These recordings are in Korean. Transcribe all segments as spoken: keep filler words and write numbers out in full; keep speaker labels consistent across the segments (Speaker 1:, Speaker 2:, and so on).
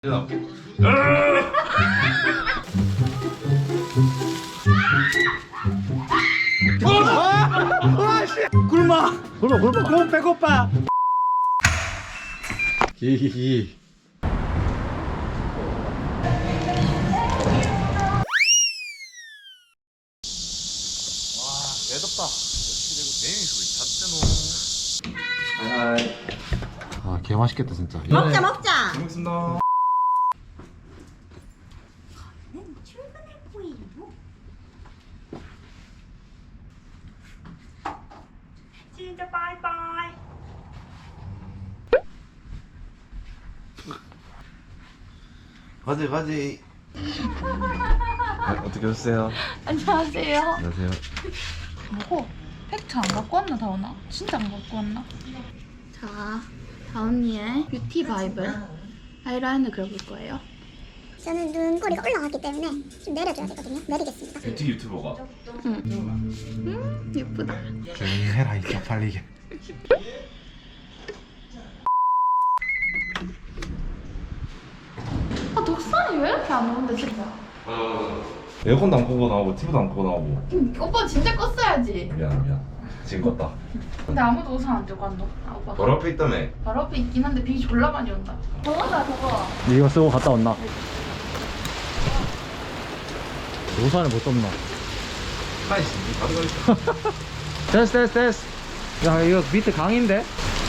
Speaker 1: 나올게.
Speaker 2: 굶어
Speaker 1: 굶어 굶어.
Speaker 2: 너무 배고파.
Speaker 1: 기기기.
Speaker 3: 애덥다.
Speaker 1: 아, 개 맛있겠다 진짜.
Speaker 4: 먹자 먹자.
Speaker 3: 먹겠습니다.
Speaker 4: 출근할 거예요. 진짜 바이바이.
Speaker 3: 가지 가지. 어떻게 오세요?
Speaker 5: 안녕하세요.
Speaker 3: 안녕하세요.
Speaker 5: 뭐고? 팩트 안 갖고 왔나 다원아? 진짜 안 갖고 왔나? 자, 다원이의 뷰티 바이블 아이라인을 그려볼 거예요.
Speaker 6: 저는 눈꼬리가 올라갔기 때문에 좀 내려줘야 되거든요. 내리겠습니다.
Speaker 3: 뷰티 유튜버가.
Speaker 5: 음, 예쁘다.
Speaker 1: 조용히 해라 이 쪽팔리게.
Speaker 5: 아, 독산이 왜 이렇게 안 오는데 진짜?
Speaker 3: 에어컨도 안 끄고 나오고 티비도 안 끄고 나오고.
Speaker 5: 음, 오빠 진짜 껐어야지.
Speaker 3: 미안 미안. 지금 껐다.
Speaker 5: 근데 아무도 우산 안 들고 간다. 아, 오빠.
Speaker 3: 바로 앞에 있다며.
Speaker 5: 바로 앞에 있긴 한데 비 졸라 많이 온다. 더워다 더워.
Speaker 2: 이거 쓰고 갔다 왔나? 우산을 못 썼나?
Speaker 3: 아이씨, 가져가.
Speaker 2: 됐어 됐어 됐어. 야 이거 밑에 강인데?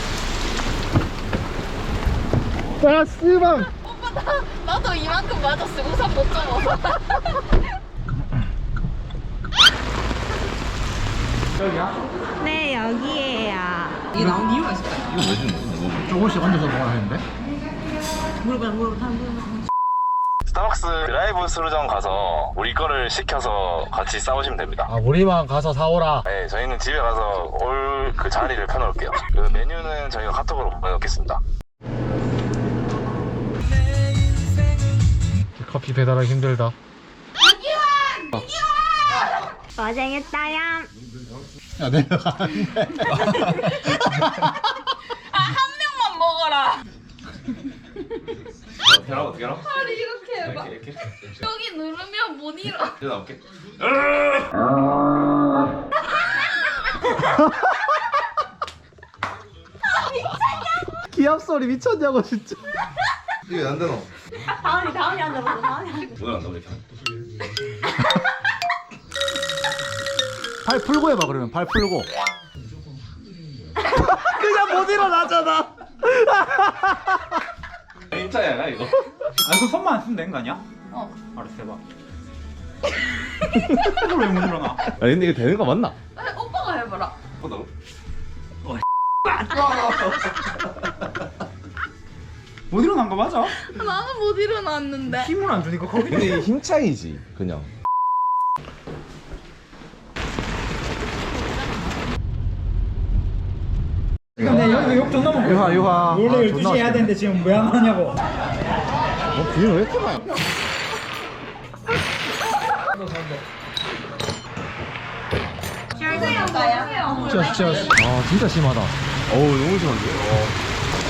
Speaker 2: 아 씨발.
Speaker 5: 오빠 나 나도 이만큼 맞았어. 우산 못 잡아서.
Speaker 2: 여기야?
Speaker 4: 네 여기에요.
Speaker 3: 이거 왜 주는 거야?
Speaker 2: 조금씩 얹어서 먹어야 하는데?
Speaker 4: 물어봐 물어봐 물어봐.
Speaker 7: 스타벅스 드라이브 스루점 가서 우리 거를 시켜서 같이 싸우시면 됩니다.
Speaker 2: 아 우리만 가서 사오라.
Speaker 7: 네, 저희는 집에 가서 올 그 자리를 펴놓을게요. 그 메뉴는 저희가 카톡으로 보내놓겠습니다.
Speaker 2: 커피 배달하기 힘들다.
Speaker 6: 고생했다요.
Speaker 2: 야 내려가.
Speaker 5: 아, 한 명만 먹어라.
Speaker 3: 대라 어떻게 알아?
Speaker 5: 팔이 이렇게 해봐.
Speaker 3: 이렇게 이렇게.
Speaker 5: 여기 누르면 못 일어.
Speaker 3: 이제 나올게.
Speaker 2: 기합 소리 미쳤냐고 진짜.
Speaker 3: 이게 안 되노?
Speaker 4: 다음이 다음이 앉아봐. 다음이 앉아.
Speaker 3: 오늘 안 나오게.
Speaker 2: 팔 풀고 해봐 그러면 팔 풀고. 그냥 못 일어나잖아.
Speaker 3: 임차야 이거.
Speaker 2: 아 이거 손만 안 쓰면 되는 거 아니야?
Speaker 5: 어.
Speaker 2: 알았어 해봐. 이걸 왜 못 일어나?
Speaker 3: 아 근데 이거 되는 거 맞나?
Speaker 5: 아, 오빠가 해봐라.
Speaker 3: 뭐다고?
Speaker 2: 못 일어난 거 맞아?
Speaker 5: 나는 못 일어났는데.
Speaker 2: 힘을 안 주니까 거기.
Speaker 3: 근데 이게 힘 차이지 그냥.
Speaker 2: 근데 여기 욕 존나 먹고. 유하 유하.
Speaker 8: 원래
Speaker 2: 아,
Speaker 8: 열두 시에 해야 되는데 지금 왜 안 하냐고.
Speaker 2: 어 비는 왜 이렇게 많이? 진짜 진짜. 아 진짜 심하다.
Speaker 3: 어우 너무 심한데. 어.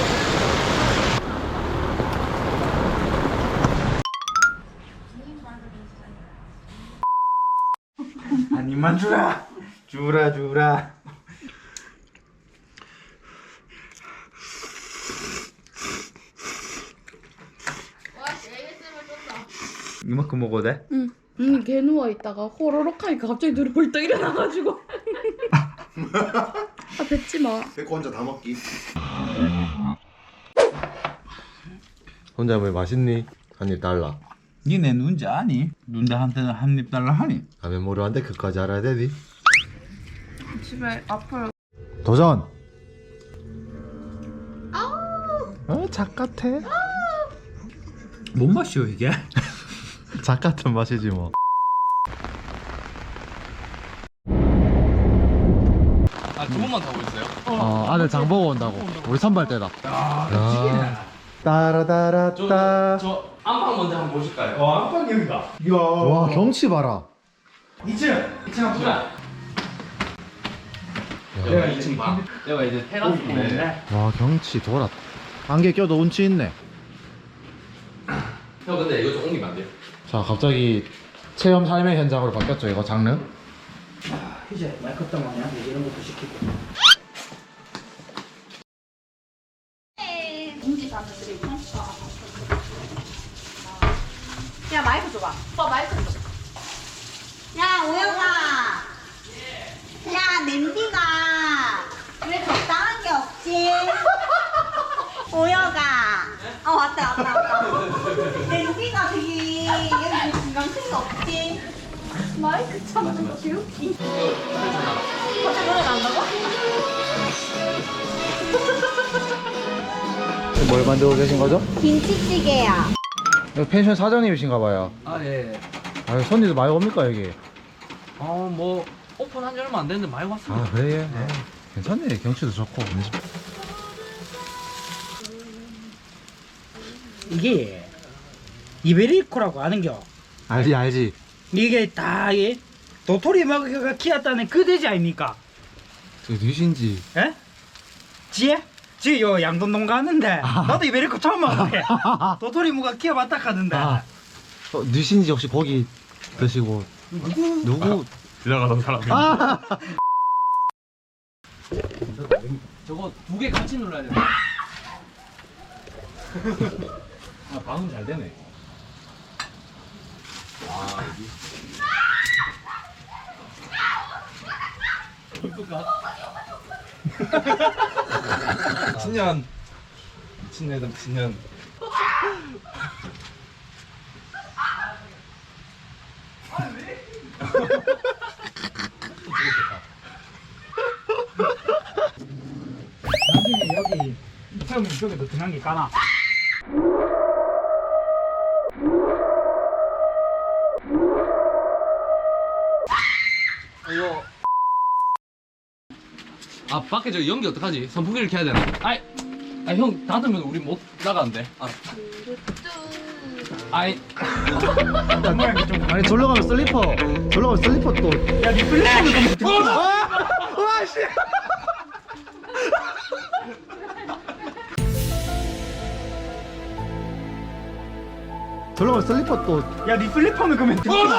Speaker 8: 한 입만 주라. 주라 주라. 이만큼 먹어도 돼?
Speaker 5: 응. 언니 개 누워 있다가 호로록 하니까 갑자기 눈을 벌떡 일어나가지고. 아 뱉지 마.
Speaker 3: 뺏고 혼자 다 먹기. 혼자 왜 맛있니? 한 입 달라.
Speaker 8: 니네 눈자 아니? 눈자 한테는 한 입 달라 하니?
Speaker 3: 가면 모르는데 그까지 알아야 되니?
Speaker 5: 집에 앞으로.
Speaker 2: 도전. 어, 작 같아.
Speaker 8: 뭔 맛이요 이게?
Speaker 2: 작 같은 맛이지 뭐.
Speaker 1: 아, 두 번만 타고 있어요?
Speaker 2: 어, 아들 장 보고 온다고. 우리 선발 때다.
Speaker 8: 야,
Speaker 2: 따라따라따.
Speaker 1: 저 안방 먼저 한번 보실까요?
Speaker 8: 어 안방 여기다. 이야.
Speaker 2: 와 경치 봐라.
Speaker 8: 이 층. 이 층 한번.
Speaker 1: 여기가 이 층 방. 여기가 이제 테라스인데.
Speaker 2: 와 경치 돌았다. 안개 껴도 운치 있네.
Speaker 1: 형 근데 이거 좀 옮기면 안 돼요?
Speaker 3: 자 갑자기 체험 삶의 현장으로 바뀌었죠 이거 장르.
Speaker 2: 이제 마이크 때문에 이런 것도 시키고.
Speaker 5: 공지 사람들이 평가.
Speaker 4: 야 마이크 줘봐.
Speaker 5: 오빠 마이크 좀.
Speaker 4: 야 오영아. 야 냄비가 왜 적당한 게 없지? 오영아. 어 왔다 왔다 왔다. 냄비가 되게 여기 중간 큰게 없지?
Speaker 5: 마이크 참는 거 개웃기.
Speaker 4: 갑자기 노래 나온다고?
Speaker 3: 뭘 만들고 계신 거죠?
Speaker 4: 김치찌개야.
Speaker 3: 여기 펜션 사장님이신가 봐요.
Speaker 1: 아 예.
Speaker 3: 아 손님들 많이 옵니까 여기?
Speaker 1: 어뭐 오픈한 지 얼마 안 됐는데 많이 왔습니다.
Speaker 3: 아 그래? 예. 괜찮네 경치도 좋고.
Speaker 2: 이게 이베리코라고 아는겨.
Speaker 3: 알지 알지.
Speaker 2: 이게 다 이게 도토리 먹이가 키웠다는 그 돼지 아닙니까?
Speaker 3: 저 누신지.
Speaker 2: 에? 지혜? 지혜 요 양돈동 가는데 나도 이베리코 처음 먹어보게. 도토리 무가 키워봤다 하는데.
Speaker 3: 아 어, 누신지 혹시 고기 드시고 누구? 누구?
Speaker 7: 지나가던 사람이.
Speaker 3: 아
Speaker 1: 저거 두 개 같이 눌러야 돼. 아 방음 잘 되네. 아 여기. 이쁘다.
Speaker 7: 미친년. 미친년이다 미친년.
Speaker 2: 나중에 여기 처음에 이쪽에도 등한 게 까나?
Speaker 1: 이거 아 밖에 저 연기 어떡하지? 선풍기를 켜야 되나? 아이 아형 닫으면 우리 못 나가는데. 아. 아이
Speaker 2: 모양이 좀.
Speaker 3: 아니 절로 가면 슬리퍼. 절로 가면 슬리퍼 또.
Speaker 2: 야, 니 플래시는 좀.
Speaker 3: 와씨. 절로 가면 슬리퍼 또.
Speaker 2: 야, 니 플리퍼는 그러면.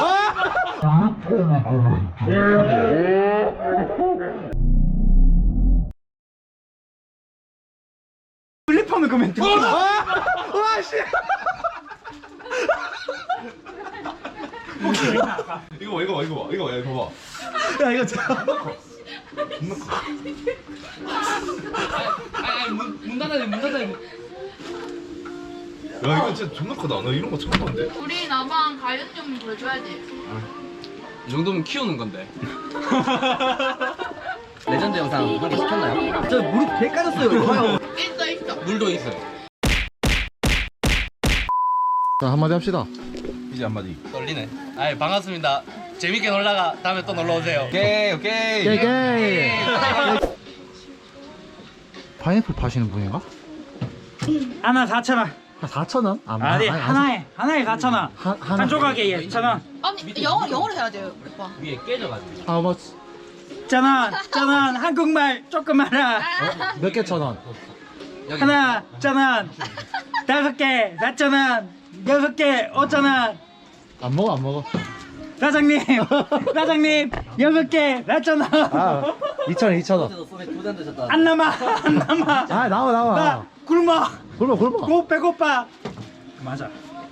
Speaker 2: 플리퍼는 그러면.
Speaker 3: 와씨.
Speaker 7: 이거 봐 이거 봐 이거 봐 이거 봐 이거 봐.
Speaker 3: 야 이거 진짜.
Speaker 1: 아이 문, 문 닫아야 돼, 문 닫아야 돼.
Speaker 7: 야 이거 진짜 존나 크다. 나 이런 거 처음 봤는데.
Speaker 5: 우리 나만 가연 좀 보여줘야지.
Speaker 1: 이 정도면 키우는 건데. 레전드 영상 확인 시켰나요?
Speaker 2: 저 무릎 개 까졌어요.
Speaker 5: 있어 있어.
Speaker 1: 물도 있어요.
Speaker 3: 자 한마디 합시다.
Speaker 7: 이제 한마디.
Speaker 1: 떨리네. 아이 반갑습니다. 재밌게 놀다가 다음에 또 놀러 오세요. 오케이 오케이.
Speaker 3: 게게. 파인애플 파시는 분인가?
Speaker 2: 하나 사천 원.
Speaker 3: 사천 원? 아,
Speaker 2: 아니, 하나에 하나에 사천 원.
Speaker 3: 하- 하나.
Speaker 2: 한 조각에 천 원.
Speaker 5: 아니 영어 영어로 해야 돼요 오빠.
Speaker 1: 위에 깨져가지고.
Speaker 3: How much?
Speaker 2: 천 원, 천 원. 한국말 조금 알아.
Speaker 3: 몇 개 천 원?
Speaker 1: 여기.
Speaker 2: 하나, 천 원. 다섯 개, 사천 원. 여섯 개, 오천 원.
Speaker 3: 안 먹어 안 먹어.
Speaker 2: 사장님, 사장님, 여섯 개, 사천 원.
Speaker 3: 아 이천 원 이천 원.
Speaker 2: 안 남아, 안 남아.
Speaker 3: 아 나와 나와.
Speaker 2: 나 굶어.
Speaker 3: 굶어 굶어.
Speaker 2: 고 배고파. 맞아.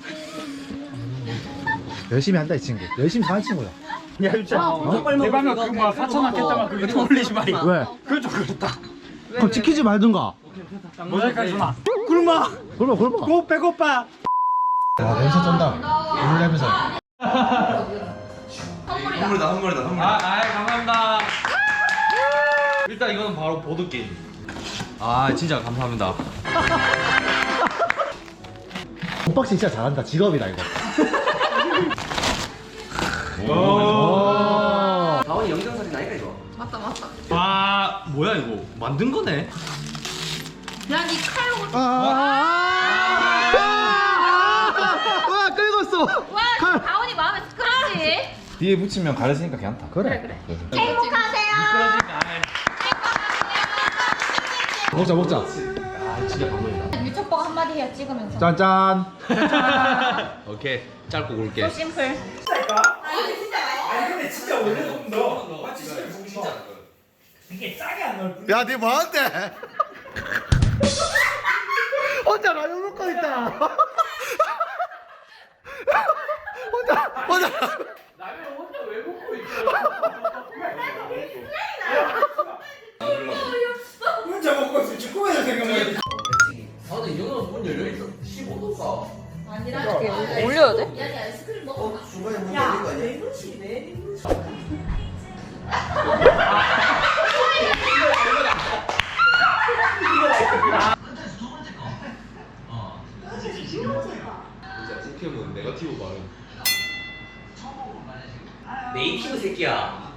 Speaker 3: 열심히 한다 이 친구. 열심히 사는 친구야.
Speaker 2: 야, 진짜. 내 방금 그뭐 사천 원 깼다가 그거 좀 올리지 말이.
Speaker 3: 왜?
Speaker 2: 그거 좀 그렇다.
Speaker 3: 그럼 지키지 말든가.
Speaker 2: 모자이크 주나. 굶어.
Speaker 3: 굶어 굶어.
Speaker 2: 고 배고파.
Speaker 3: 아 냄새 쩐다. 물 냄새.
Speaker 7: 선물이다 선물이다 선물.
Speaker 1: 아, 아이 감사합니다. 일단 이거는 바로 보드 게임. 아 진짜 감사합니다.
Speaker 3: 언박싱 진짜 잘한다. 직업이다 이거.
Speaker 1: 오.
Speaker 9: 다원이 영상사진 아니까 이거?
Speaker 5: 맞다 맞다.
Speaker 1: 와 뭐야 이거 만든 거네.
Speaker 5: 야니 칼로.
Speaker 3: 아, 아, 아, 아, 긁었어.
Speaker 5: 와 다원이 마음에 그렇지.
Speaker 7: 뒤에 붙이면 가려지니까 괜찮다.
Speaker 3: 그래.
Speaker 4: 행복하세요.
Speaker 3: 먹자 먹자.
Speaker 1: 아 진짜 감동이다.
Speaker 5: 유튜버가 한마디 해요 찍으면서.
Speaker 3: 짠짠.
Speaker 1: 오케이 짧고 굵게.
Speaker 5: 심플.
Speaker 2: 아니 근데 진짜 원래 조금 더 맞지 진짜 이게 짜게 안 넣을 뿐.
Speaker 3: 야, 니 뭐한테? 혼자 라면 먹고 있다. 혼자 혼자.
Speaker 1: 라면 혼자 왜 먹고 있어?
Speaker 2: 혼자 먹고 있어. 축구에서 생각나게.
Speaker 1: 아 근데 이 정도면 문 열려 있어. 십오 도가.
Speaker 5: 올려야 돼?
Speaker 1: 진짜 포켓몬 네거티브 발음. 네이티브 새끼야.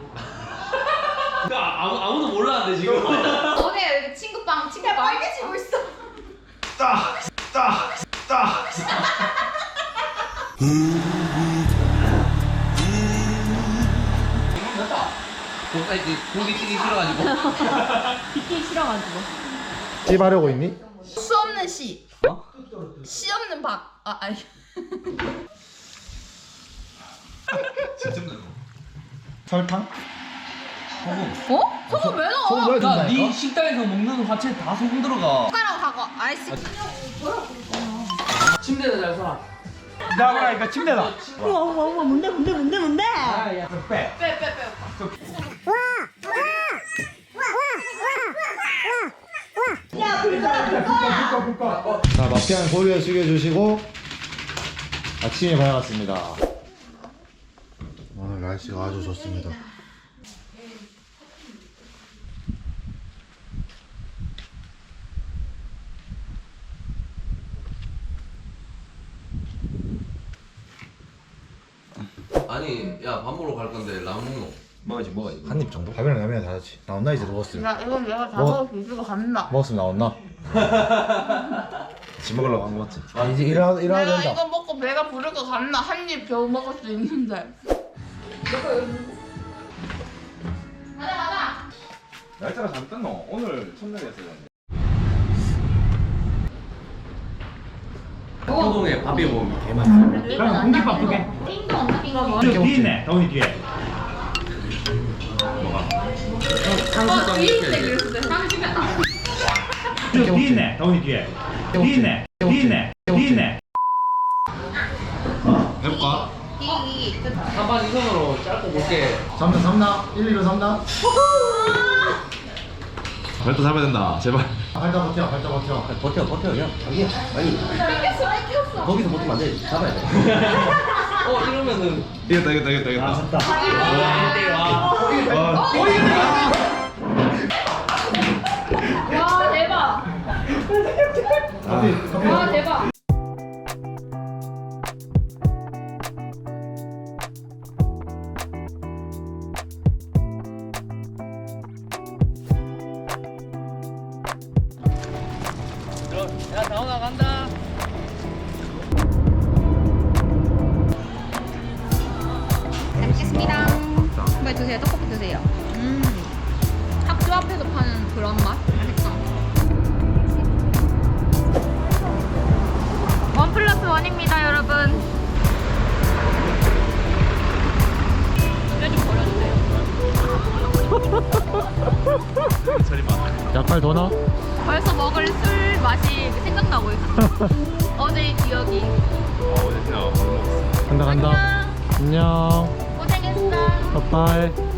Speaker 1: 아무 아무도 몰랐는데 지금.
Speaker 5: 오늘 친구빵 친구빵. 빨개지고 있어.
Speaker 1: 고기 찌기 싫어가지고.
Speaker 5: 듣기 싫어가지고.
Speaker 3: 찝하려고 있니?
Speaker 5: 수 없는 시.
Speaker 1: 어?
Speaker 5: 시 없는 박. 아 아니.
Speaker 2: 설탕?
Speaker 5: 어? 소금 왜 넣어?
Speaker 3: 소금 왜 넣어?
Speaker 1: 야네 식당에서 먹는 화채 다 소금 들어가.
Speaker 5: 숟가락 하고 아이스.
Speaker 1: 침대에서 잘 살아.
Speaker 2: 나와라 이거 침대다.
Speaker 4: 우와 우와 우와 뭔데 뭔데 뭔데 뭔데?
Speaker 2: 아야 빼.
Speaker 5: 빼빼 빼.
Speaker 3: 자, 마피아는 고개를 숙여주시고 아침이 밝았습니다. 오늘 날씨가 아주 좋습니다.
Speaker 1: 아니 야 밥 먹으러 갈 건데 라면 먹노?
Speaker 2: 먹어야지 먹어야지.
Speaker 3: 한 입 정도? 밥이랑 라면이 다르지. 나온나 이제 먹었으면.
Speaker 5: 야 이건 내가 다
Speaker 3: 뭐?
Speaker 5: 먹을 수 있을 것 같나?
Speaker 3: 먹었으면 나온나? 집 먹으려고 한 거 맞지? 아 이제 일하, 일해야
Speaker 5: 내가
Speaker 3: 된다.
Speaker 5: 이거 먹고 배가 부를 것 같나? 한 입 겨우 먹을 수 있는데. 가자 가자.
Speaker 8: 날짜가 잘 떴노. 오늘 첫날이었어요.
Speaker 1: 효동에 밥이 먹으면 개맛있어.
Speaker 2: 그럼 공깃밥 두 개.
Speaker 5: 띵동 없나 띵동?
Speaker 2: 저 뒤에 있네. 다운이 뒤에.
Speaker 5: 어 뒤에 있네 그랬을 때 상심했다.
Speaker 2: 저 뒤에 있네. 다운이 뒤에. 뒤에 있네. 뒤에 있네. 뒤에 있네.
Speaker 1: 해볼까?
Speaker 5: 이기 이기.
Speaker 1: 한판 이선으로 짧고 굵게.
Speaker 3: 삼단 삼단 일, 이로 삼단.
Speaker 8: 발도 잡아야 된다. 제발.
Speaker 3: 발자 버텨, 발자 버텨.
Speaker 1: 버텨 버텨 그냥 자기야. 아니
Speaker 5: 뺏겼어 뺏겼어.
Speaker 1: 거기서 버티면 안 돼. 잡아야 돼. 어 이러면은.
Speaker 8: 이겼다 이겼다 이겼다 이겼다.
Speaker 2: 아 졌다.
Speaker 5: 와 대박.
Speaker 3: 커피, 커피.
Speaker 5: 와 대박.
Speaker 1: 야 다운아 간다.
Speaker 5: 잘 먹겠습니다. 빨리 드세요. 떡볶이 드세요. 음. 학교 앞에서 파는 그런 맛. 맛있다. 원 플러스 원입니다, 여러분. 좀 버려주세요.
Speaker 3: 약발 더 넣어?
Speaker 5: 벌써 먹을 술 맛이 생각나고 있어. 어제의 기억이.
Speaker 3: 간다 간다. 안녕.
Speaker 5: 고생했어.
Speaker 3: 빠빠이.